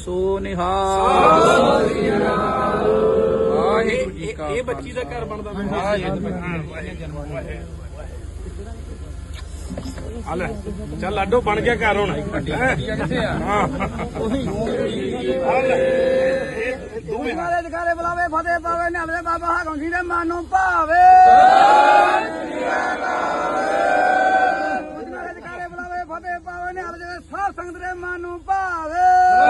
ਸੋ ਨਿਹਾਲ। ਇਹ ਬੱਚੀ ਦਾ ਘਰ ਬਣਦਾ ਹਲ ਚੱਲ ਲਾਡੋ ਬਣ ਗਿਆ ਘਰ ਹੁਣ ਨਾਲੇ ਜਕਾਰੇ ਬੁਲਾਵੇ ਫਤਿਹ ਪਾਵੇ ਨਾਲੇ ਬਾਬਾ ਹਾਕਮ ਜੀ ਦੇ ਮਨ ਨੂੰ ਭਾਵੇ ਨਾਲੇ ਜਕਾਰੇ ਬੁਲਾਵੇ ਫਤਿਹ ਪਾਵੇ ਨਾਲੇ ਜਿਹੜੇ ਸਾਧ ਸੰਗਤ ਦੇ ਮਨ ਨੂੰ ਭਾਵੇ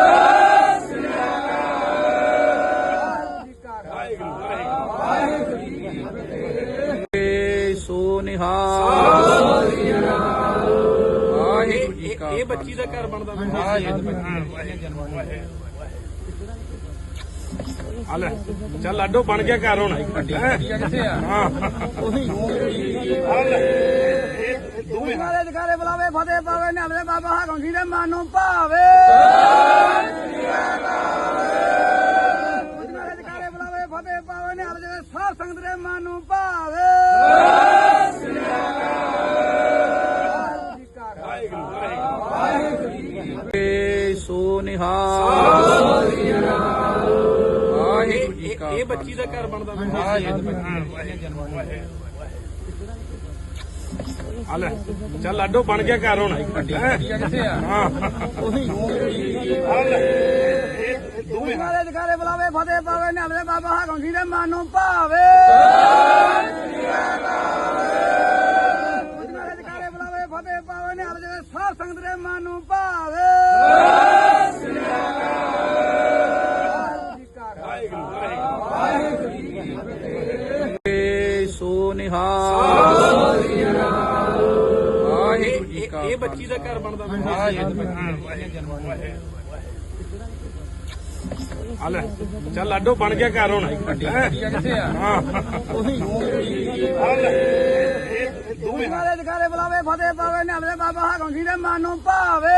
ਸੋ ਨਿਹਾਲ। ਇਹ ਬੱਚੀ ਦਾ ਘਰ ਬਣਦਾ ਹਲ ਚੱਲ ਲਾਡੋ ਬਣ ਗਿਆ ਘਰ ਹੁਣ ਨਾਲੇ ਜਕਾਰੇ ਬੁਲਾਵੇ ਫਤਿਹ ਪਾਵੇ ਨਾਲੇ ਬਾਬਾ ਹਾਕਮ ਜੀ ਦੇ ਮਨ ਨੂੰ ਭਾਵੇ ਨਾਲੇ ਜਕਾਰੇ ਬੁਲਾਵੇ ਫਤਿਹ ਪਾਵੇ ਨਾਲੇ ਜਿਹੜੇ ਸਾਧ ਸੰਗਤ ਦੇ ਮਨ ਨੂੰ ਭਾਵੇ ਸੋ ਨਿਹਾਲ। ਇਹ ਬੱਚੀ ਦਾ ਘਰ ਬਣਦਾ ਹਲ ਚੱਲ ਲਾਡੋ ਬਣ ਗਿਆ ਘਰ ਹੁਣ ਨਾਲੇ ਜਕਾਰੇ ਬੁਲਾਵੇ ਫਤਿਹ ਪਾਵੇ ਨਾਲੇ ਬਾਬਾ ਹਾਕਮ ਜੀ ਦੇ ਮਨ ਨੂੰ ਭਾਵੇ ਨਾਲੇ ਜਕਾਰੇ ਬੁਲਾਵੇ ਫਤਿਹ ਪਾਵੇ ਨਾਲੇ ਜਿਹੜੇ ਸਾਧ ਸੰਗਤ ਦੇ ਮਨ ਨੂੰ ਭਾਵੇ ਸੋ ਨਿਹਾਲ। ਇਹ ਬੱਚੀ ਦਾ ਘਰ ਬਣਦਾ ਹਲ ਚੱਲ ਲਾਡੋ ਬਣ ਗਿਆ ਘਰ ਹੁਣ ਨਾਲੇ ਜਕਾਰੇ ਬੁਲਾਵੇ ਫਤਿਹ ਪਾਵੇ ਨਾਲੇ ਬਾਬਾ ਹਾਕਮ ਜੀ ਦੇ ਮਨ ਨੂੰ ਭਾਵੇ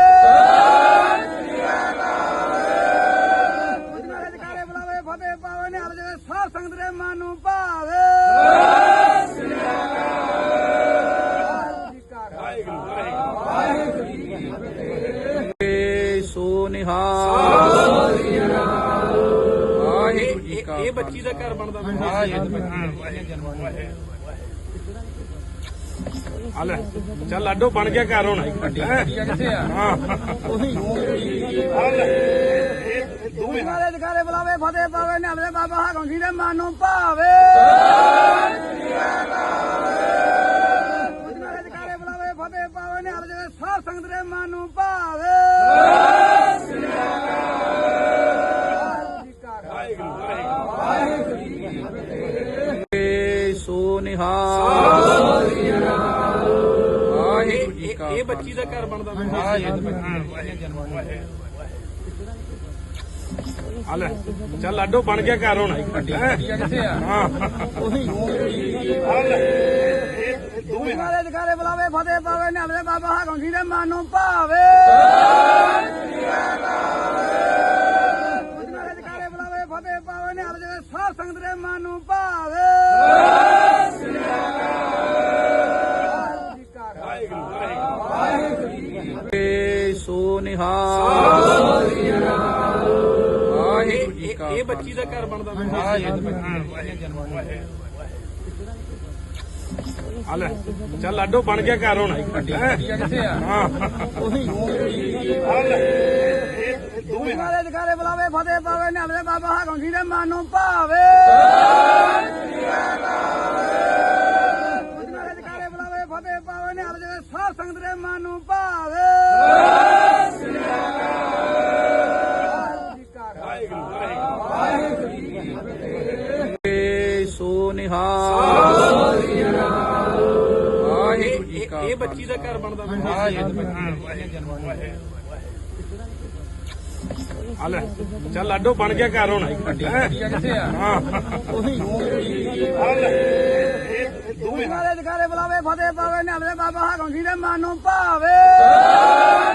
ਨਾਲੇ ਜਕਾਰੇ ਬੁਲਾਵੇ ਫਤਿਹ ਪਾਵੇ ਨਾਲੇ ਜਿਹੜੇ ਸਾਧ ਸੰਗਤ ਦੇ ਮਨ ਨੂੰ ਭਾਵੇ ਸੋ ਨਿਹਾਲ। ਇਹ ਬੱਚੀ ਦਾ ਘਰ ਬਣਦਾ ਹਲ ਚੱਲ ਲਾਡੋ ਬਣ ਗਿਆ ਘਰ ਹੁਣ ਨਾਲੇ ਜਕਾਰੇ ਬੁਲਾਵੇ ਫਤਿਹ ਪਾਵੇ ਨਾਲੇ ਬਾਬਾ ਹਾਕਮ ਜੀ ਦੇ ਮਨ ਨੂੰ ਭਾਵੇ ਨਾਲੇ ਜਕਾਰੇ ਬੁਲਾਵੇ ਫਤਿਹ ਪਾਵੇ ਨਾਲੇ ਜਿਹੜੇ ਸਾਧ ਸੰਗਤ ਦੇ ਮਨ ਨੂੰ ਭਾਵੇ ਸੋ ਨਿਹਾਲ। ਇਹ ਬੱਚੀ ਦਾ ਘਰ ਬਣਦਾ ਹਲ ਚੱਲ ਲਾਡੋ ਬਣ ਗਿਆ ਘਰ ਹੁਣ ਨਾਲੇ ਜਕਾਰੇ ਬੁਲਾਵੇ ਫਤਿਹ ਪਾਵੇ ਨਾਲੇ ਬਾਬਾ ਹਾਕਮ ਜੀ ਦੇ ਮਨ ਨੂੰ ਭਾਵੇ ਨਾਲੇ ਜਕਾਰੇ ਬੁਲਾਵੇ ਫਤਿਹ ਪਾਵੇ ਨਾਲੇ ਜਿਹੜੇ ਸਾਧ ਸੰਗਤ ਦੇ ਮਨ ਨੂੰ ਭਾਵੇ ਸੋ ਨਿਹਾਲ। ਇਹ ਬੱਚੀ ਦਾ ਘਰ ਬਣਦਾ ਹਲ ਚੱਲ ਲਾਡੋ ਬਣ ਗਿਆ ਘਰ ਹੁਣ ਨਾਲੇ ਜਕਾਰੇ ਬੁਲਾਵੇ ਫਤਿਹ ਪਾਵੇ ਨਾਲੇ ਬਾਬਾ ਹਾਕਮ ਜੀ ਦੇ ਮਨ ਨੂੰ ਭਾਵੇ ਨਾਲੇ ਜਕਾਰੇ ਬੁਲਾਵੇ ਫਤਿਹ ਪਾਵੇ ਨਾਲੇ ਜਿਹੜੇ ਸਾਧ ਸੰਗਤ ਦੇ ਮਨ ਨੂੰ ਭਾਵੇ ਸੋ ਨਿਹਾਲ। ਇਹ ਬੱਚੀ ਦਾ ਘਰ ਬਣਦਾ ਹਲ ਚੱਲ ਲਾਡੋ ਬਣ ਗਿਆ ਘਰ ਹੁਣ ਨਾਲੇ ਜਕਾਰੇ ਬੁਲਾਵੇ ਫਤਿਹ ਪਾਵੇ ਨਾਲੇ ਬਾਬਾ ਹਾਕਮ ਜੀ ਦੇ ਮਨ ਨੂੰ ਭਾਵੇ